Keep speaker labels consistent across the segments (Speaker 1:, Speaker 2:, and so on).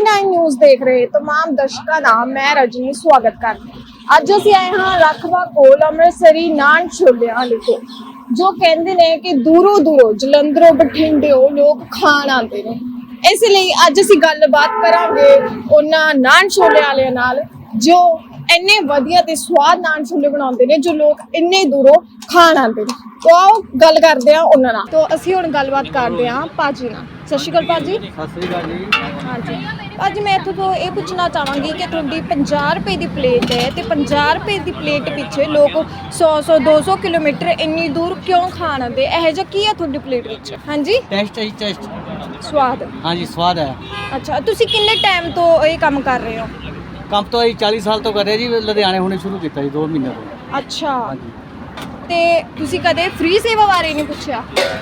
Speaker 1: 99 news ਦੇਖ ਰਹੇ तमाम ਦਰਸ਼ਕਾਂ ਦਾ ਮੈਂ ਰਜਨੀ ਸਵਾਗਤ ਕਰਦੀ ਹਾਂ। ਅੱਜ ਅਸੀਂ ਆਏ ਹਾਂ ਰਖਵਾ ਕੋਲ ਅੰਮ੍ਰਿਤਸਰੀ ਨਾਨ ਛੋਲਿਆਂ ਵਾਲੇ ਕੋਲ, ਜੋ ਕਹਿੰਦੇ ਨੇ ਕਿ ਦੂਰੋਂ ਦੂਰੋਂ ਜਲੰਧਰੋਂ ਬਠਿੰਡਿਓਂ ਲੋਕ ਖਾਣ ਆਉਂਦੇ ਨੇ। ਇਸ ਲਈ ਅੱਜ ਅਸੀਂ ਗੱਲਬਾਤ ਕਰਾਂਗੇ ਉਹਨਾਂ ਨਾਨ ਛੋਲਿਆਂ ਵਾਲਿਆਂ ਨਾਲ ਜੋ ਇੰਨੇ ਵਧੀਆ ਤੇ ਸਵਾਦ ਨਾਨ ਛੋਲੇ ਬਣਾਉਂਦੇ ਨੇ, ਜੋ ਲੋਕ ਇੰਨੇ ਦੂਰੋਂ ਖਾਣ ਆਉਂਦੇ ਨੇ। तो आओ गल करते हैं उन्होंने। तो असी हुण गलबात करते हैं भाजी नाल। सत श्री अकाल भाजी।
Speaker 2: सत श्री अकाल जी।
Speaker 1: हाँ जी भाजी, मैं इत्थों तो ये पूछना चाहांगी कि तुहाडी 50 रुपए की प्लेट है तो 50 रुपए की प्लेट पिछे लोग 100 200 किलोमीटर इन्नी दूर क्यों खाण आंदे? इहो जिहा की है तुहाडी प्लेट विच? हाँ जी
Speaker 2: टेस्ट है टेस्ट
Speaker 1: स्वाद।
Speaker 2: हाँ जी स्वाद है।
Speaker 1: अच्छा, तुसी किन्ने टाइम तो ये काम कर रहे हो?
Speaker 2: काम तो 40 साल तो कर रहे जी, लुधियाने हुणे शुरू किया जी 2 महीने तो।
Speaker 1: अच्छा,
Speaker 2: हाँ जी।
Speaker 1: ਤੇ ਤੁਸੀਂ ਕਦੇ ਫ੍ਰੀ ਸੇਵਾ ਬਾਰੇ ਨਹੀਂ ਪੁੱਛਿਆ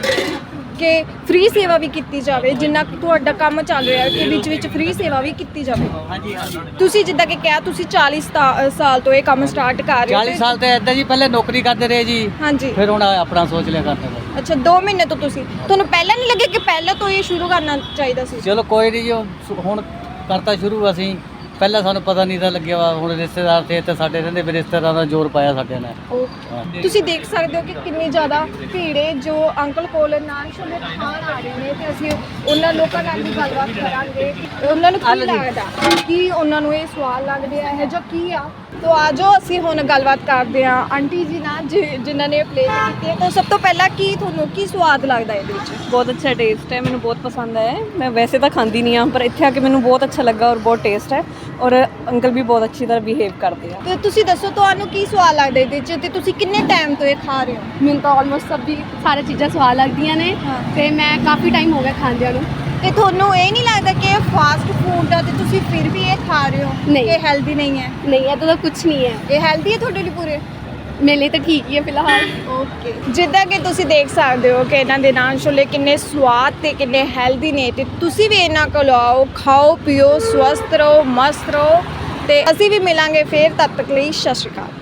Speaker 1: ਕਿ ਫ੍ਰੀ ਸੇਵਾ ਵੀ ਕੀਤੀ ਜਾਵੇ? ਜਿੰਨਾ ਤੁਹਾਡਾ ਕੰਮ ਚੱਲ ਰਿਹਾ ਕਿ ਵਿੱਚ ਵਿੱਚ ਫ੍ਰੀ ਸੇਵਾ ਵੀ ਕੀਤੀ ਜਾਵੇ।
Speaker 2: ਹਾਂਜੀ ਹਾਂਜੀ।
Speaker 1: ਤੁਸੀਂ ਜਿੱਦਾਂ ਕਿ ਕਿਹਾ ਤੁਸੀਂ 40 ਸਾਲ ਤੋਂ ਇਹ ਕੰਮ ਸਟਾਰਟ ਕਰ ਰਹੇ ਹੋ।
Speaker 2: 40 ਸਾਲ ਤੇ ਇਦਾਂ ਜੀ, ਪਹਿਲੇ ਨੌਕਰੀ ਕਰਦੇ ਰਹੇ ਜੀ।
Speaker 1: ਹਾਂਜੀ।
Speaker 2: ਫਿਰ ਹੁਣ ਆਪਣਾ ਸੋਚ ਲਿਆ ਕਰਦੇ ਪਏ।
Speaker 1: ਅੱਛਾ, 2 ਮਹੀਨੇ ਤੋਂ ਤੁਸੀਂ, ਤੁਹਾਨੂੰ ਪਹਿਲਾਂ ਨਹੀਂ ਲੱਗਿਆ ਕਿ ਪਹਿਲਾਂ ਤੋਂ ਇਹ ਸ਼ੁਰੂ ਕਰਨਾ ਚਾਹੀਦਾ ਸੀ?
Speaker 2: ਚਲੋ ਕੋਈ ਨਹੀਂ ਜੀ, ਹੁਣ ਕਰਤਾ ਸ਼ੁਰੂ ਅਸੀਂ। ਪਹਿਲਾਂ ਸਾਨੂੰ ਪਤਾ ਨਹੀਂ ਤਾਂ ਲੱਗਿਆ ਵਾ, ਹੁਣ ਰਿਸ਼ਤੇਦਾਰ ਤੇ ਸਾਡੇ ਰਹਿੰਦੇ ਵੀ ਰਿਸ਼ਤੇਦਾਰਾਂ ਦਾ ਜ਼ੋਰ ਪਾਇਆ ਸਾਡੇ ਨੇ।
Speaker 1: ਤੁਸੀਂ ਦੇਖ ਸਕਦੇ ਹੋ ਕਿ ਕਿੰਨੀ ਜ਼ਿਆਦਾ ਭੀੜ ਹੈ। ਜੋ ਅੰਕਲ ਕੋਲ ਨਾਨ ਛੋਲੇ ਖਾਣ ਆ ਰਹੇ ਨੇ ਤੇ ਅਸੀਂ ਉਹਨਾਂ ਲੋਕਾਂ ਨਾਲ ਵੀ ਗੱਲਬਾਤ ਕਰਾਂਗੇ ਕਿ ਉਹਨਾਂ ਨੂੰ ਕੀ ਲੱਗਦਾ, ਕੀ ਉਹਨਾਂ ਨੂੰ ਇਹ ਸਵਾਦ ਲੱਗਦੇ ਆ, ਇਹ ਜੋ ਕੀ ਆ। तो आ जाओ ਅਸੀਂ ਹੁਣ ਗੱਲਬਾਤ ਕਰਦੇ ਹਾਂ ਆਂਟੀ ਜੀ ਨਾਲ ਜਿਨ੍ਹਾਂ ਨੇ ਪਲੇਟ ਕੀਤੀ ਹੈ। ਤਾਂ ਸਭ ਤੋਂ ਪਹਿਲਾਂ ਕੀ ਤੁਹਾਨੂੰ ਕੀ ਸਵਾਦ ਲੱਗਦਾ ਇਹਦੇ ਵਿੱਚ?
Speaker 3: ਬਹੁਤ ਅੱਛਾ ਟੇਸਟ ਹੈ, ਮੈਨੂੰ ਬਹੁਤ ਪਸੰਦ ਆਇਆ। ਮੈਂ ਵੈਸੇ ਤਾਂ ਖਾਂਦੀ ਨਹੀਂ ਆ, ਪਰ ਇੱਥੇ ਆ ਕੇ ਮੈਨੂੰ ਬਹੁਤ ਅੱਛਾ ਲੱਗਾ ਔਰ ਬਹੁਤ ਟੇਸਟ ਹੈ ਔਰ ਅੰਕਲ ਵੀ ਬਹੁਤ ਅੱਛੀ ਤਰ੍ਹਾਂ ਬਿਹੇਵ ਕਰਦੇ ਆ।
Speaker 1: ਤੇ ਤੁਸੀਂ ਦੱਸੋ ਤੁਹਾਨੂੰ ਕੀ ਸਵਾਦ ਲੱਗਦਾ ਇਹਦੇ ਵਿੱਚ ਤੇ ਤੁਸੀਂ ਕਿੰਨੇ ਟਾਈਮ ਤੋਂ ਇਹ ਖਾ ਰਹੇ ਹੋ?
Speaker 4: ਮੈਨੂੰ ਤਾਂ ਆਲਮੋਸਟ ਸਾਰੀ ਚੀਜ਼ਾਂ ਸਵਾਦ ਲੱਗਦੀਆਂ ਨੇ ਤੇ ਮੈਂ ਕਾਫੀ ਟਾਈਮ ਹੋ ਗਿਆ ਖਾਂਦਿਆਂ ਨੂੰ।
Speaker 1: ਤੇ ਤੁਹਾਨੂੰ ਇਹ ਨਹੀਂ ਲੱਗਦਾ ਕਿ ਇਹ ਫਾਸਟ ਫੂਡ ਆ ਤੇ ਤੁਸੀਂ ਫਿਰ ਵੀ ਇਹ ਖਾ ਰਹੇ ਹੋ?
Speaker 4: ਨਹੀਂ,
Speaker 1: ਇਹ ਹੈਲਦੀ ਨਹੀਂ ਹੈ।
Speaker 4: ਨਹੀਂ, ਇਹਦਾ ਤਾਂ ਕੁਝ ਨਹੀਂ ਹੈ।
Speaker 1: ਇਹ ਹੈਲਦੀ ਹੈ ਤੁਹਾਡੇ ਲਈ ਪੂਰੇ?
Speaker 4: ਮੇਰੇ ਲਈ ਤਾਂ ਠੀਕ ਹੀ ਹੈ ਫਿਲਹਾਲ।
Speaker 1: ਓਕੇ, ਜਿੱਦਾਂ ਕਿ ਤੁਸੀਂ ਦੇਖ ਸਕਦੇ ਹੋ ਕਿ ਇਹਨਾਂ ਦੇ ਨਾਨ ਛੋਲੇ ਕਿੰਨੇ ਸਵਾਦ ਤੇ ਕਿੰਨੇ ਹੈਲਦੀ ਨੇ, ਤੇ ਤੁਸੀਂ ਵੀ ਇਹਨਾਂ ਕੋਲ ਆਓ, ਖਾਓ ਪੀਓ, ਸਵਸਥ ਰਹੋ, ਮਸਤ ਰਹੋ। ਤੇ ਅਸੀਂ ਵੀ ਮਿਲਾਂਗੇ ਫਿਰ, ਤਦ ਤੱਕ ਲਈ ਸਤਿ ਸ਼੍ਰੀ ਅਕਾਲ।